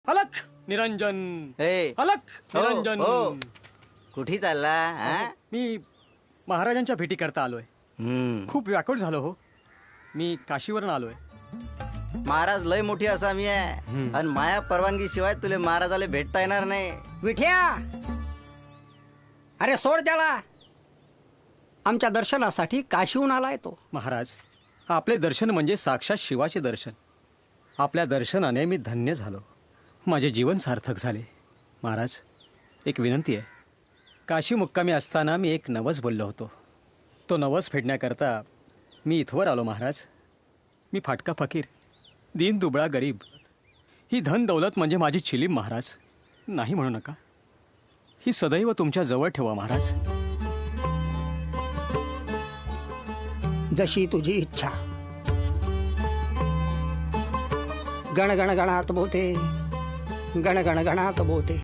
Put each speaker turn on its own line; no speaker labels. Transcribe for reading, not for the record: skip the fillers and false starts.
अलख निरंजन
ए,
अलख
हो,
निरंजन.
हो. कुठे चालला हा?
मी महाराजांच्या भेटी करता आलोय. खूप व्याकुळ झालो हो. मी काशीवरून आलोय.
महाराज लय मोठी असामी आहे
हम्म.
आणि माया परवानगी शिवाय तुले महाराजाला भेटता येणार नाही.
विठ्या, अरे सोड त्याला. आमच्या दर्शनासाठी काशीहून आलाय तो.
महाराज, आपले दर्शन म्हणजे साक्षात शिवाचे दर्शन. आपल्या दर्शनाने मी धन्य झालो. माझे जीवन सार्थक झाले. महाराज, एक विनंती आहे. काशी मुक्कामी असताना मी एक नवस बोललो होतो. तो नवस फेडण्याकरता मी इथवर आलो. महाराज, मी फाटका फकीर, दीन दुबळा गरीब. ही धन दौलत म्हणजे माझी चिलीम. महाराज, नाही म्हणू नका. ही सदैव तुमच्या जवळ ठेवा महाराज.
जशी तुझी इच्छा. गण गण गणात बोते, गण गण गणात बोते.